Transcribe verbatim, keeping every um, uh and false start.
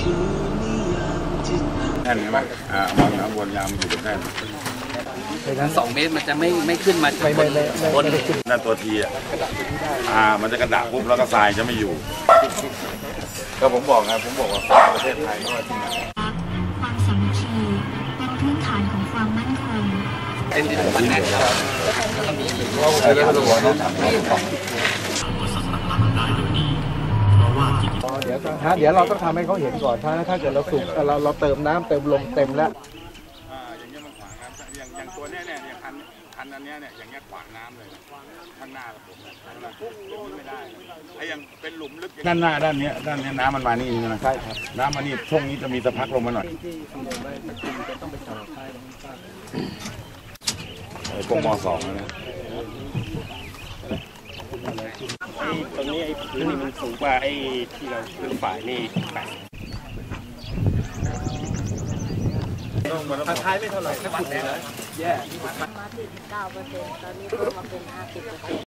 แน่นใช่ไหมอ่ามองน้ำวนยางมันอยู่ตรงแน่นดังนั้นสองเมตรมันจะไม่ไม่ขึ้นมาบนบนนั่นตัวทีอ่ะอ่ามันจะกระดาษปุ๊บแล้วก็ทรายจะไม่อยู่ก็ผมบอกนะผมบอกว่าประเทศไทยก็ที่ไหนความสามัคคีเป็นพื้นฐานของความมั่นคงเป็นดินมันแน่นครับแล้วก็มีเรื่องตัวน้องทำให้ของเดี๋ยวฮะเดี๋ยวเราต้องทำให้เขาเห็นก่อนถ้าถ้าเกิดเราสูบเราเราเติมน้ำเติมลมเต็มแล้วอย่างเงี้ยมันขวางน้ำอย่างอย่างตัวเนี้ยเนี่ยอย่างคันคันอันเนี้ยเนี่ยอย่างเงี้ยขวางน้ำเลยข้างหน้าผมนะไม่ได้ไอ้ยังเป็นหลุมลึกด้านหน้าด้านนี้ด้านนี้น้ำมันมานี่ใช่ไหมใช่ครับน้ำมานี่ช่วงนี้จะมีสะพักลงมาหน่อยไอ้พวกม.สองนะตรงนี้ไอ้พื้นนี่มันสูงกว่าไอ้ที่เราพื้นฝ่ายนี่ทางท้ายไม่เท่าไหร่ถ้าขุดแล้วแย่มาสี่สิบเก้าเปอร์เซ็นต์ตอนนี้เพิ่มมาเป็นห้าสิบเปอร์เซ็นต์